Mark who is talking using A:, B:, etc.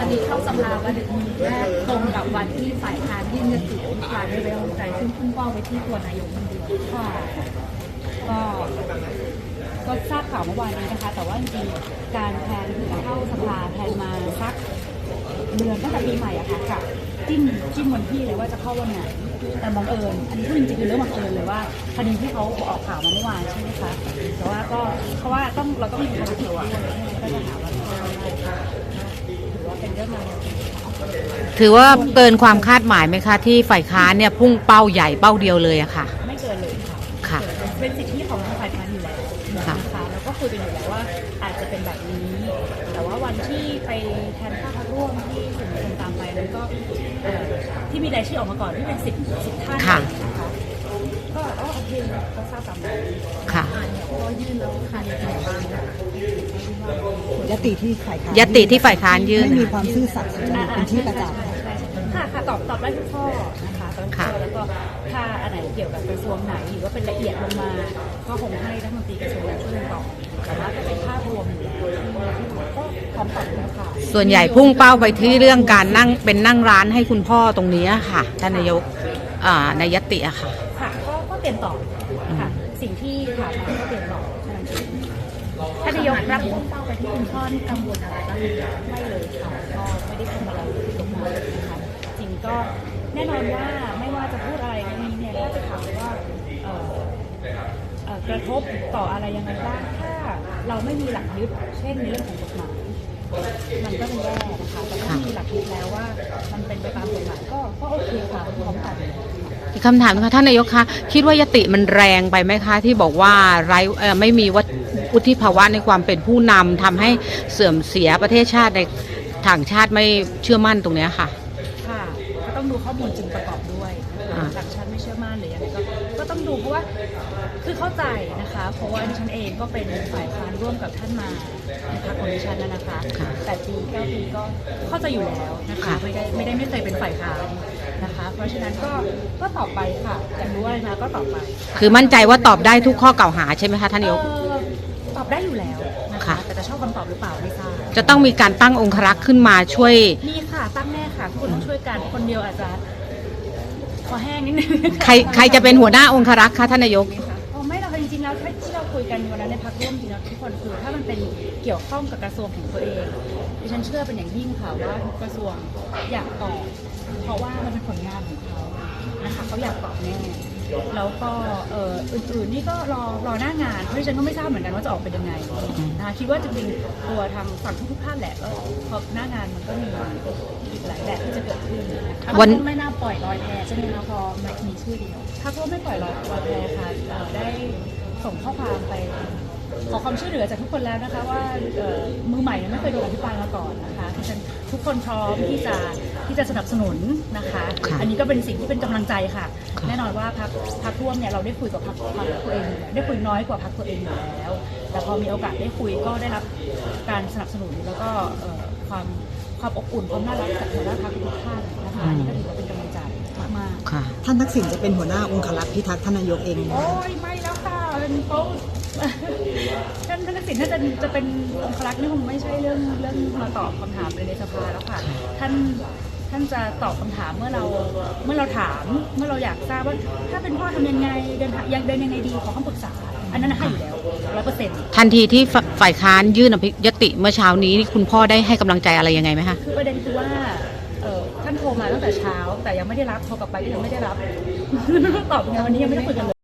A: นนี้เข้าสภาวันแรกตรงกับวันที่ฝ่ายค้านยื่นยติอภิปรายไม่ไว้วางใจซึ่งพุ่งเป้าไปที่ตัวนายกคนเดียว
B: ค่ะก็ทราบข่าวเมื่อวานนี้นะคะแต่ว่าจริงๆการแทนเข้าสภาแทนมาสักเดือนตั้งแต่ปีใหม่อะค่ะจิ้มวันที่เลยว่าจะเข้าวันไหนแต่บังเอิญอันนี้พูดจริงๆคือเรื่องบังเอิญเลยว่าคดีที่เขาออกข่าวมาเมื่อวานใช่ไหมคะแต่ว่าก็เพราะว่าเราต้องมีภารกิจด้วยก็จะหาว่าถือว่าเป็นเรื่องอะไร
C: ถือว่าเกินความคาดหมายไหมคะที่ฝ่ายค้านเนี่ยพุ่งเป้าใหญ่เป้าเดียวเลยอะค่ะ
B: ไม่เกินเลย
C: ค่ะ
B: เป็นสิทธิของฝ่ายค้านอยู่แล้วนะคะแล้วก็คุยกันอยู่แล้วว่าอาจจะเป็นแบบนี้แต่ว่าวันที่ไปแทนข้าพร่วมที่สื่อมวลชนตามไปนั้นก็ที่มีรายชื่อออกมาก่อนที่เป็น10 ท่านนะคะก็โอเคก็ทราบตามนั้น
C: ค่ะ
A: ก็ยื่นแล้วค่ะในการบ้าน
D: ยติที่ฝ่ายค้าน
C: ยื่น
D: ไม่มีความซื่อสัตย์เป็นที่ประจักษ์
B: ค่ะตอบได้ทุกข้อนะคะตอบข้อแล้วก็ถ้าอันไหนเกี่ยวกับกระทรวงไหนหรือว่าเป็นละเอียดลงมาก็คงให้รัฐมนตรีกระทรวงนั้นช่วยตอบแต่ว่าถ้าเป็นภาพรวมอยู่แล้วก็พร้อมตอบแล้วค่ะ
C: ส่วนใหญ่พุ่งเป้าไปที่เรื่องการนั่งร้านให้คุณพ่อตรงนี้ค่ะท่านนายกในยติอะค่ะ
B: ค่ะก็เตรียมตอบค่ะสิ่งที่ถามมาก็เตรียมตอบ
A: ท่านนายกรับพุ่งเป้าไปที่คุณพ่อที่กังวลอะไรบ้าง
B: ไม่เลยค่ะก็ไม่ได้ทำอะไรลงมานะคะจริงก็แน่นอนว่าไม่ว่าจะพูดอะไรนี้เนี่ยถ้าจะถามว่ากระทบต่ออะไรยังไงบ้างถ้าเราไม่มีหลักยึดเช่นในเรื่องของกฎหมายมันก็เป็นแย่นะคะแต่ถ้ามีหลักยึดแล้วว่ามันเป็นไปตามกฎหมายก็โอเคค่ะพร้อมกัน
C: อีกคำถามค่ะท่านนายกคะคิดว่ายติมันแรงไปไหมคะที่บอกว่าไม่มีวุฒิภาวะในความเป็นผู้นำทำให้เสื่อมเสียประเทศชาติในต่างชาติไม่เชื่อมั่นตรงนี้ค่ะ
B: ค่ะก็ต้องดูข้อมูลจริงประกอบด้วยต่างชาติไม่เชื่อมั่นหรือยังไงก็ต้องดูเพราะว่าคือเข้าใจนะคะเพราะว่าดิฉันเองก็เป็นฝ่ายค้านร่วมกับท่านมาในพรรคของดิฉันนะคะ8 ปี 9 ปีก็เข้าใจอยู่แล้วนะคะไม่เคยเป็นฝ่ายค้านนะคะเพราะฉะนั้นก็ตอบไปค่ะอยากรู้อะไรมาก็ตอบไป
C: คือมั่นใจว่าตอบได้ทุกข้อกล่าวหาใช่ไหมคะท่านนายก
B: ตอบได้อยู่แล้วนะคะแต่จะชอบคำตอบหรือเปล่าไม่ทราบ
C: จะต้องมีการตั้งองครักษ์ขึ้นมาช่วย
B: มีค่ะตั้งแน่ค่ะทุกคนต้องช่วยกันคนเดียวอาจจะคอแห้งนิดนึง
C: ใครจะเป็นหัวหน้าองครักษ์คะท่านนายก
B: ไม่เราจริงๆแล้วที่เราคุยกันวันนั้นในพรรคร่วมจริงๆทุกคนคือถ้ามันเป็นเกี่ยวข้องกับกระทรวงของตัวเองดิฉันเชื่อเป็นอย่างยิ่งค่ะว่าทุกกระทรวงอยากตอบเพราะว่ามันเป็นผลงานของเขานะคะเขาอยากตอบแน่แล้วก็อื่นๆนี่ก็รอหน้างานเพราะดิฉันก็ไม่ทราบเหมือนกันว่าจะออกเป็นยังไงนะคะคิดว่าจริงๆตัวทางฝั่งทุกท่านแหละก็พอหน้างานมันก็มีอีกหลายแบบที่จะเกิดขึ้น
A: วันไม่น่าปล่อยลอยแพใช่ไหมคะพอมีชื่อเดียว
B: ถ้าก็ไม่ปล่อยลอยแพค่ะได้ส่งข้อความไปขอความช่วยเหลือจากทุกคนแล้วนะคะว่ามือใหม่ไม่เคยโดนอภิปรายมาก่อนนะคะฉะนั้นทุกคนพร้อมที่จะสนับสนุนนะคะอันนี้ก็เป็นสิ่งที่เป็นกำลังใจค่ะแน่นอนว่าพรรคร่วมเนี่ยเราได้คุยกับพรรคตัวเองได้คุยน้อยกว่าพรรคตัวเองอยู่แล้วแต่พอมีโอกาสได้คุยก็ได้รับการสนับสนุนแล้วก็ความอบอุ่นความน่ารักจากหัวหน้าพรรคทุกท่านนะคะอันนี้ก็ถือว่าเป็นกำลังใจมาก
D: ๆท่านทักษิณจะเป็นหัวหน้าองครักษ์พิทักษ์ท่านนายกเอง
B: โอ้ยไม่แล้วค่ะเป็นโต๊ะท่านทักษิณถ้าจะเป็นองครักษ์นี่คงไม่ใช่เรื่องมาตอบคำถามในสภาแล้วค่ะท่านจะตอบคำถามเมื่อเราถามเมื่อเราอยากทราบว่าถ้าเป็นพ่อทำยังไงเดินยังไงดีขอคำปรึกษาอันนั้นให้อยู่แล้ว100%
C: ทันทีที่ฝ่ายค้านยื่นยติเมื่อเช้านี้คุณพ่อได้ให้กำลังใจอะไรยังไงไหมคะ
B: คือประเด็นคือว่าท่านโทรมาตั้งแต่เช้าแต่ยังไม่ได้รับโทรกลับไปก็ยังไม่ได้รับตอบไงวันนี้ยังไม่ได้คุยกันเลย